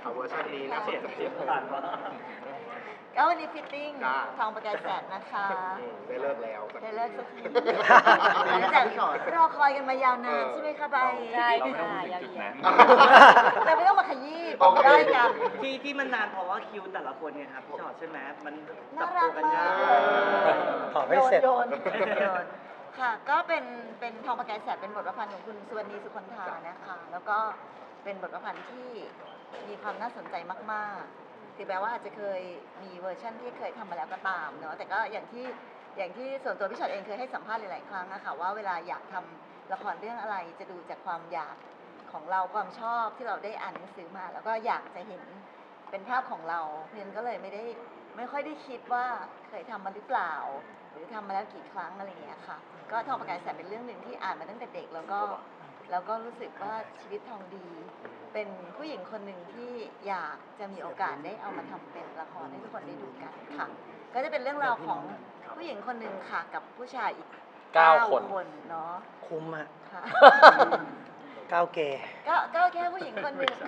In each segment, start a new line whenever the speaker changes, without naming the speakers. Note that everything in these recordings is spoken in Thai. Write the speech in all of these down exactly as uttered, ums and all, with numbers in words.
ค่ะเวอร์ชันนี้นะเสียงเสียง
ผ่านมา
ก็วันนี้ฟิตติ้ง
จ้า
ทองประกายแสนนะคะ
อืมได้เลิกแล้วสั
ได้เลิกสักที
ที
หลังจากรอคอยกันมายาวนาน
เออ
ใช่ไหมคะใบ
ใช่
เราไม่ต้อง
ค่ะ
พูดถึงจุดนั้น
เราไม่ต้องมาขยี้
โอเค
ได้กัน
ที่ที่มันนานเพราะว่าคิวแต่ละคนเนี่ยครับพี่ชอตใช่ไหมมันป
น่า
รับ
รั
ตัวกันาก
กมายก
ตอบให้เสร็จ
โยนโยนโยนค่ะ ก็เป็นเป็นทองประกายแสนเป็นบทประพันธ์ของคุณสุวรรณีสุคนธานะคะ แล้วก็เป็นบทประพันธ์ที่มีความน่าสนใจมากๆถึงแม้ว่าอาจจะเคยมีเวอร์ชั่นที่เคยทำมาแล้วก็ตามเนาะแต่ก็อย่างที่อย่างที่ส่วนตัวพี่ชอตเองเคยให้สัมภาษณ์หลายๆครั้งนะคะว่าเวลาอยากทำละครเรื่องอะไรจะดูจากความอยากของเราความชอบที่เราได้อ่านหนังสือมา แล้วก็อยากจะเห็นเป็นภาพของเราเพราะฉะนั้นก็เลยไม่ได้ไม่ค่อยได้คิดว่าเคยทำมาหรือเปล่า หรือทำมาแล้วกี่ครั้งอะไรอย่างเงี้ยค่ะ ก็ทองประกายแสนเป็นเรื่องหนึ่งที่อ่านมาตั้งแต่เด็กแล้วก็แล้วก็รู้สึกว่าชีวิตทองดี เป็นผู้หญิงคนหนึ่งที่อยากจะมีโอกาสได้เอามาทำเป็นละครให้ทุกคนได้ดูกันค่ะ ก็จะเป็นเรื่องราวของผู้หญิงคนหนึ่งค่ะกับผู้ชายอีก
เก้าคน
คนเนาะ
คุ้มอะ
ค่ะ
ก้าวเกย์
ก็ก็แค่ผู้หญิงคนหนึ่ง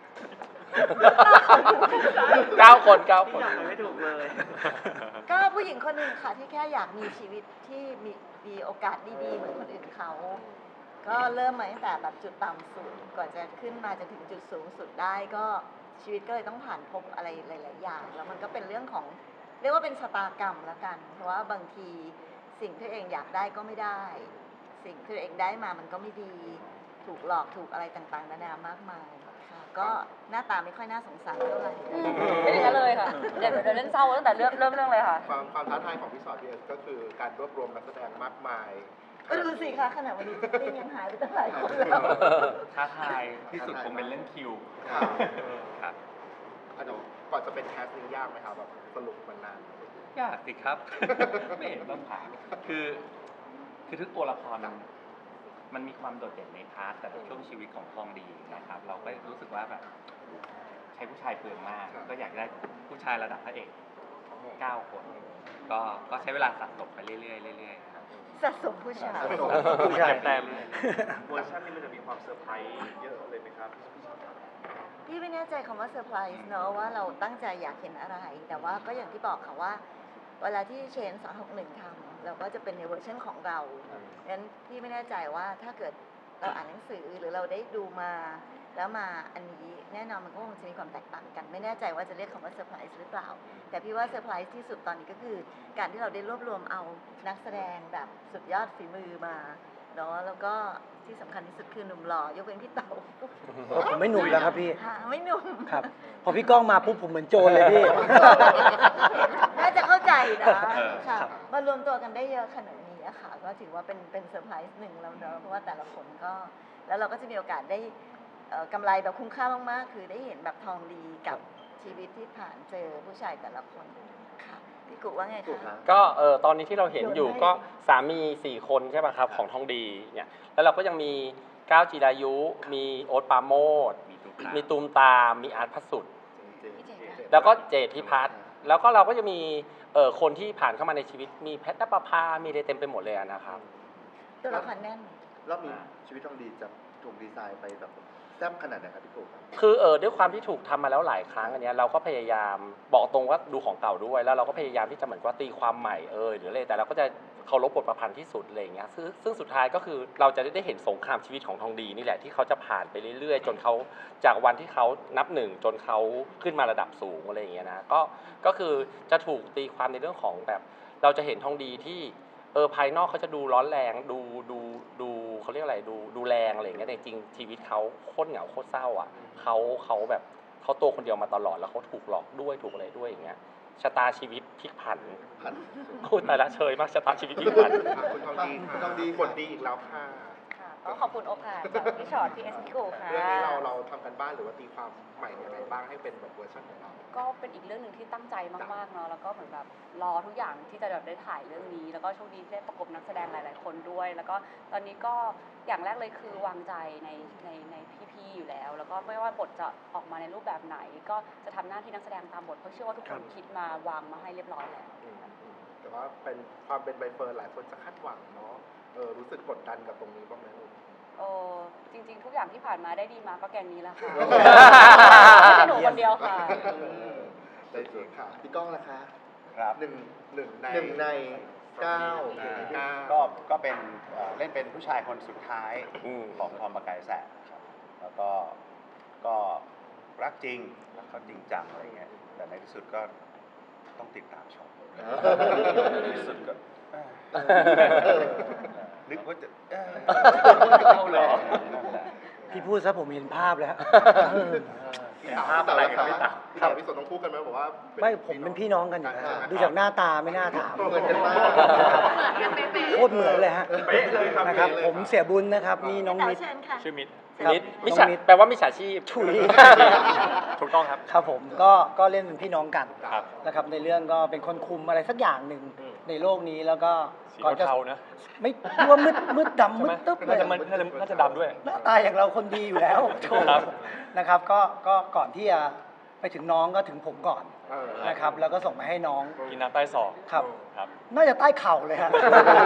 เก้าคนเก้าค
ที่
น
อยากไปไม่ถูกเลย
ก็ผู้หญิงคนหนึ่งค่ะที่แค่อยากมีชีวิตที่มีมีโอกาสดีๆเหมือนคนอื่นเขา ก็เริ่มมาตั้งแต่แบบจุดต่ำสุดก่อนจะขึ้นมาจนถึงจุดสูงสุดได้ก็ชีวิตก็เลยต้องผ่านพบอะไรหลาย ๆ อย่าง แล้วมันก็เป็นเรื่องของเรียกว่าเป็นชะตากรรมแล้วกัน เพราะว่าบางทีสิ่งที่ตัวเองอยากได้ก็ไม่ได้ สิ่งที่ตัวเองได้มามันก็ไม่ดีถูกหลอกถูกอะไรต่างๆนานามากมายค่ะก็หน้าตาไม่ค่อยน่าสงสารเท่าไหร่
ไม่ถึงนั้นเลยค่ะ เดี๋ยวเดี๋ยวเล่นเศร้าตั้งแต่เริ่มเริ่มเรื่องเลยค่ะ
ความความท้าทายของพี่สอดพี่เอสก็คือการรวบรวมนักแสดงมากมาย
ก็ดูสิคะขนาดวันนี้ติ้งยังหายไปตั้งหลายคนแล้ว
ท้าทายที่สุดคงเป็นเรื่องคิว
ครับ
ครับ
อันนี้ก่อนจะเป็นแคสติ้งยากไหมครับแบบสรุปมันนาน
ยากสิครับ ไม่เห็นต้องผ่านคือคือทุกตัวละครมันมันมีความโดดเด่นในพาร์ทแต่ละช่วงชีวิตของทองดีนะครับ เราก็รู้สึกว่าแบบใช้ผู้ชายเปลืองมาก ก็อยากได้ผู้ชายระดับพระเอกเก้าคน ก็ก็ใช้เวลาสะสมไปเรื่อยๆเรื่อยๆครับ
สะสมผู้ชาย
ผู้ชาย
แต้ม
เวอร์ชันนี้มันจะมีความเซอร์ไพรส์เยอะเลยไหมครับพี่สอดครับ
พี่ไม่แน่ใจคำว่าเซอร์ไพรส์เนอะว่าเราตั้งใจอยากเห็นอะไร แต่ว่าก็อย่างที่บอกค่ะว่า เวลาที่เชนสองหกหนึ่งทำเราก็จะเป็นในเวอร์ชันของเรางั้นพี่ไม่แน่ใจว่าถ้าเกิดเราอ่านหนังสือหรือเราได้ดูมา แล้วมาอันนี้แน่นอนมันก็คงจะมีความแตกต่างกัน ไม่แน่ใจว่าจะเรียกคำว่าเซอร์ไพรส์หรือเปล่า แต่พี่ว่าเซอร์ไพรส์ที่สุดตอนนี้ก็คือ การที่เราได้รวบรวมเอานักแสดงแบบสุดยอดฝีมือมาเนาะแล้วก็ที่สำคัญที่สุดคือหนุ่มหล่อยกเว้นพี่เต๋า
ผมไม่หนุ่มแล้วครับพี่
หาไม่หนุ่ม
ครับ พอพี่ก้องมาปุ๊บผมเหมือนโจรเลยพี่
น่าจะเข้าใจนะ
เออ
ค่ะ
ครับ
มารวมตัวกันได้เยอะขนาดนี้อะค่ะ ก็ถือว่าเป็นเป็นเซอร์ไพรส์หนึ่งแล้วเนอะเพราะว่าแต่ละคนก็ แล้วเราก็จะมีโอกาสได้เอ่อกำไรแบบคุ้มค่ามากๆ คือได้เห็นแบบทองดีกับชีวิตที่ผ่านเจอผู้ชายแต่ละคนค่ะพี่กุว่าไงคะ
ก็เออตอนนี้ที่เราเห็นอยู่ก็สามีสี่คนใช่ป่ะครับของทองดีเนี่ยแล้วเราก็ยังมีก้าวจีรายุ มีโอ๊ตปราโมด
มีตุ๊กตา
มีตูมตาม มีอาร์ตพัสสุด
พี่เจค่ะ
แล้วก็เจดพิพัฒน์แล้วก็เราก็จะมีเออคนที่ผ่านเข้ามาในชีวิตมีแพทนปภา มีอะไรเต็มไปหมดเลยอะนะครับ
ตัวละครแน่น
รอบนี้ชีวิตทองดีจะถูกดีไซน์ไปแบบแซ่บขนาดไหนครับพี่กุ๊กครับ
คือเออด้วยความที่ถูกทำมาแล้วหลายครั้งอันเนี้ยเราก็พยายามบอกตรงว่าดูของเก่าด้วย แล้วเราก็พยายามที่จะเหมือนว่าตีความใหม่เออหรืออะไรแต่เราก็จะเคารพบทประพันธ์ที่สุดอะไรอย่างเงี้ยซึ่งซึ่งสุดท้ายก็คือเราจะได้เห็นสงครามชีวิตของทองดีนี่แหละที่เขาจะผ่านไปเรื่อยๆ จนเขาจากวันที่เขานับหนึ่งจนเขาขึ้นมาระดับสูงอะไรอย่างเงี้ยนะก็ก็คือจะถูกตีความในเรื่องของแบบ เราจะเห็นทองดีที่เออภายนอกเขาจะดูร้อนแรงดูดูดูเขาเรียกอะไรดูดูแรงอะไรอย่างเงี้ยแต่จริงชีวิตเขาโคตรเหงาโคตรเศร้าอ่ะเขาเขาแบบเขาตัวคนเดียวมาตลอดแล้วเขาถูกหลอกด้วยถูกอะไรด้วยอย่างเงี้ยชะตาชีวิตพลิกผัน
ผัน
พูดแต่ละเชยมากชะตาชีวิตพลิกผัน
อ่ะคุณทองดีคุณทองดีผลดีอีกแล้วค่ะ
ค่ะก็ขอบคุณโอกาสจากพี่ชอตพี่เอสพี่กูค่ะ
เรื่องนี้เราเราทำกันบ้านหรือว่าตีความใหม่ยังไงบ้างให้เป็นแบบเวอร์ชันของเรา
ก็เป็นอีกเรื่องหนึ่งที่ตั้งใจมากๆเนาะแล้วก็เหมือนแบบรอทุกอย่างที่จะแบบได้ถ่ายเรื่องนี้ แล้วก็โชคดีที่ได้ประกบนักแสดงหลาย ๆ คนด้วย แล้วก็ตอนนี้ก็อย่างแรกเลยคือวางใจในในในพี่ๆอยู่แล้ว แล้วก็ไม่ว่าบทจะออกมาในรูปแบบไหน ก็จะทำหน้าที่นักแสดงตามบทเพราะเชื่อว่าทุกคนคิดมาวางมาให้เรียบร้อยแล้ว
แต่ว่าเป็นความเป็นใบเฟิร์นหลายคนจะคาดหวังเนาะเออรู้สึกกดดันกับตรงนี้บ้างไหมลูก
โอ้จริง ๆ ทุกอย่างที่ผ่านมาได้ดีมาก็แกงนี้แหละค่ะ
เยี่ยม
ไม่ใช่หนูคนเดียว
ใจจริงค่ะพี่ก้องล่ะคะ
ครับ
หนึ่งหนึ่งใน
หนึ่งในเก้า
หนึ่งในเก้า
ก็ก็เป็นเอ่อเล่นเป็นผู้ชายคนสุดท้าย
อืม
ของทอมประกายแสงครับแล้วก็ก็รักจริงแล้วก็จริงจังอะไรเงี้ยแต่ในที่สุดก็ต้องติดตามชมในที่สุดก็เอ้ยนึกว่าจะเอ้ย
เอาเหรอ
พี่พูดซะผมเห็นภาพแล้วเออ
พี่เต๋า
ภาพอะไรกับพี่
พี่
เต๋า
เต๋าพี่สนต้องพูดกันไหมบอกว่า
ไม่ผมเป็นพี่น้องกันอยู่แล้วดูจากหน้าตาไม่น่าถาม
เหมือนกันมาก
โคตรเหมือนเลยฮะ
เป๊ะเลยครับ
นะครับ
เป๊ะเลย
ผมเสียบุญนะครับนี่น้อง
เต๋า
นิด
เชิญค่ะ
ชื่อมิตร
ครับ
นิดมิจ
น้
ฉา
องนิด
แปลว่ามิจฉาชีพ
ถุย
ถูกต้องครับ
ครับผมก็ก็เล่นเป็นพี่น้องกัน
ครับ
นะครับในเรื่องก็เป็นคนคุมอะไรสักอย่างหนึ่งในโลกนี้แล้วก็
สี
ก่อนจะ
เทาๆนะ
ไม่รู้ว่ามืดมืดดำมื
ใช่
ด
ไหม
ตึ๊บเล
น่าย จะมันน่าจะน่าจะดำด้วย
หน้าตาอย่างเราคนดีอยู่แล้วโถ่
ครับ
นะครับก็ก็ก่อนที่จะไปถึงน้องก็ถึงผมก่อน
เออ
นะครับแล้วก็ส่งมาให้น้อง
กินน้ำใต้ศอก
ครับ
ครับ
น่าจะใต้เข่าเลยฮะ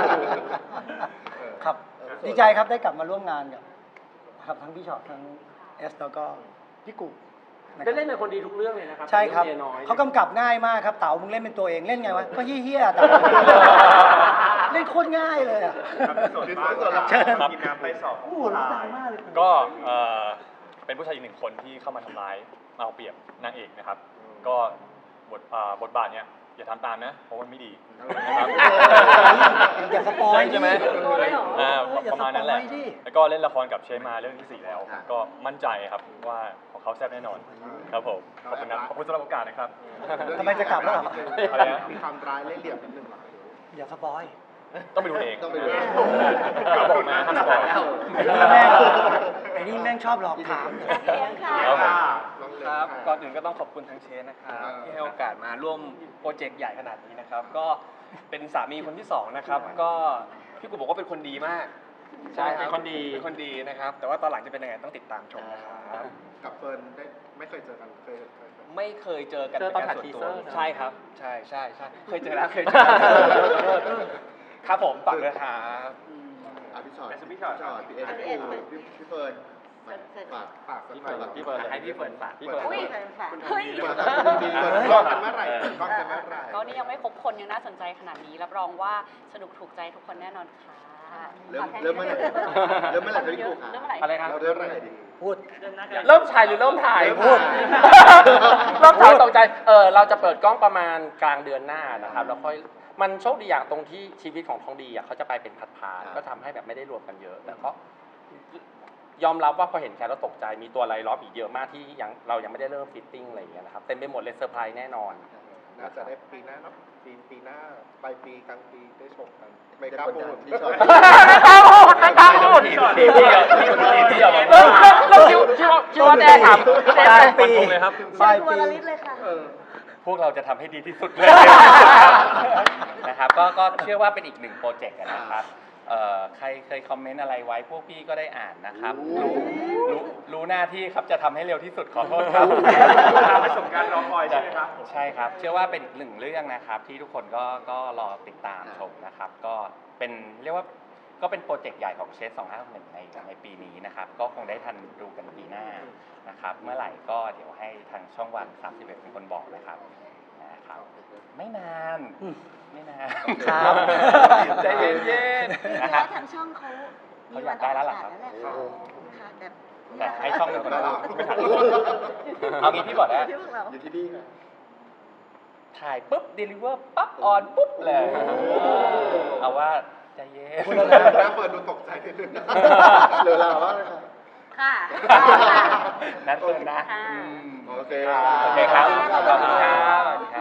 ครับดีใจครับได้กลับมาร่วมงานกับครับทั้งพี่ชอตทั้งเอสแล้วก็พี่กุ๊กะครับ
ได้เล่นเป็นคนดีทุกเรื่องเลยนะครับ
ใช่ครับ
เมียน้อย
เขากำกับง่ายมากครับเต๋ามึงเล่นเป็นตัวเองเล่นไงวะก็เฮี้ยๆเต๋าเล่นโคตรง่ายเลยอ่ะ
ส่วนส่วนส่วน
เชิญ
กินน้ำไปสอบ
โอ้โหร้องดังมากเลย
ก็เอ่อเป็นผู้ชายอีกหนึ่งคนที่เข้ามาทำร้ายมาเอาเปรียบนางเอกนะครับ ก็บทอ่าบทบาทเนี้ยอย่าทำตามนะ เพราะมันไม่ดีนะครับ
อย่าสปอย
ใช่ไหม
เลยเหรอ
อ่า
อย่า
ประมาณนั้นแหละ
สปอยดิ
แล้วก็เล่นละครกับเชมาเรื่องที่สี่แล้ว ก็มั่นใจครับว่าของเขาแซ่บแน่นอน ครับผม ขอบคุณนะขอบคุณสำหรับโอกาสนะครับ
ทำไมจะกลับแล้วเหรอ
อะไรนะ
มีความร้ายเล่ห์เหลี่ยมนิดนึงเหรอ
อย่าสปอย
ต้องไปดูเอง
ต้องไปดูเอง
ก็บอกมาห้ามสปอย
ไอ้นี่แม่งชอบหลอกถาม
เลี้ยงค่ะ
ครับผม
ครับ ก่อนอื่นก็ต้องขอบคุณทางเชนนะครับ
อ่า
ที่ให้โอกาสมาร่วมโปรเจกต์ใหญ่ขนาดนี้นะครับ ก็เป็นสามีคนที่สองนะครับ ก็พี่กูบอกว่าเป็นคนดีมาก
ใช่
รับ
เป็นคนดี
เป็นคนดีนะครับ แต่ว่าตอนหลังจะเป็นยังไงต้องติดตามชมนะครับ
กับเฟิร์นได้ไม่เคยเจอกันเคยเคยเคย
ไม่เคยเจอกัน
เจอตอน
ป็
ถ่าย
ส่ว
ที
ตัว
เซอร์นะ
ใช่ครับ ใช่ใช่ใช่เคยเจอแล้วเคยเจอแล้วครับผมฝากด้วยครับ
อ่ะพี่ชอต
เป็นพี่ชอต
พี่เอสพี่ปูพี่พี่เฟิร์นฝากฝากสักหน่อย
พี่เฟิร์น
ให้พี่เฟิร์นฝาก
พี่เฟิร์น
อุ้ยค่ะ
เฮ้ย
เปิดคุณดีเปิดกล้องกันเมื่อไหร่เปิดกล้องกันเมื่อไหร่
ก็นี่ยังไม่ครบคนยังน่าสนใจขนาดนี้ รับรองว่าสนุกถูกใจทุกคนแน่นอนค่ะ
เริ่มเริ่มเมื่อไหร่เริ่มเมื่อไหร่พี่ปูค่ะ
เริ่มเมื่อไหร่
อะไรครับ
เราเริ่มเมื่อไหร่ดี
พูด
เริ่มถ่ายหรือเริ่มถ่าย
เริ่ม
พูด
ถ่าย
เริ่มถ่ายตกใจ เออเราจะเปิดกล้องประมาณกลางเดือนหน้านะครับ แล้วค่อย มันโชคดีอย่างตรงที่ชีวิตของทองดีอ่ะเขาจะไปเป็นพัดพาร์ทก็ทำให้แบบไม่ได้รวมกันเยอะ แต่ก็ยอมรับว่าพอเห็นแคทแล้วตกใจ มีตัวอะไรล้อมอีกเยอะมากที่ยังเรายังไม่ได้เริ่มฟิตติ้งอะไรอย่างเงี้ยนะครับ เต็มไปหมดเลยเซอร์ไพรส์แน่นอน
น่าจะได้ปีหน้าเนาะปีปีหน้าปลายปีกลางปีได้ชมกันไม่กล้าพูดพี่ชอต
ไม่กล้าพูดไม่กล้าพูด
ทีทีเดียวทีเดียว
เริ่มเริ่มคิดคิดว่าคิดว่าแน่ถาม
ปลายปี
ฟันธงเลยครับ
ปลาย
ตัว
ปี
ละลิตเลยค่ะ
พวกเราจะทำให้ดีที่สุดเลย นะครับก็ก็เชื่อว่าเป็นอีกหนึ่งโปรเจกต์อะนะครับเอ่อใครเคยคอมเมนต์อะไรไว้พวกพี่ก็ได้อ่านนะครับ รู้รู้รู้หน้าที่ครับจะทำให้เร็วที่สุดขอโทษครับ
ประสบการณ์รอคอยใช่ไหมครับ
ใช่ครับ เชื่อว่าเป็นอีกหนึ่งเรื่องนะครับ ที่ทุกคนก็ก็รอติดตามชมนะครับ ก็เป็นเรียกว่าก็เป็นโปรเจกต์ใหญ่ของเชสสองห้าหนึ่งในในปีนี้นะครับ ก็คงได้ทันดูกันปีหน้านะครับ เมื่อไหร่ก็เดี๋ยวให้ทางช่องวันสามสิบเอ็ดเป็นคนบอกนะครับนะครับ ไม่นาน
อืม
ไม่นาน
ครับ
ใจเย็น
จริ
ๆ
ง
นะ
ๆ
ครั
แล้
บ
วทางช่องเขา
เขาอยากได้แล้วเหรอครับ
มีวันออกอากาศแล้วแหละค่ะแต่
แต่ให้ช่องเป็นคนพูดไม่ทันเอางี้พี่บอกนะ
ที่พวกเรา
อยู่ที่นี่ค่ะ
ถ่ายปุ๊บเดลิเวอร์ปั๊บออนปุ๊บเลยเอาว่าใจเย็น
พูดแล้วนะ
หน้าเฟิร์นดูตกใจนิดนึงเหลือเราบ้างเลยค่ะ
ค่ะ
นัดเปิดนะ
ค่ะ
อืม
โอเค
โอเคครับขอบคุณครับ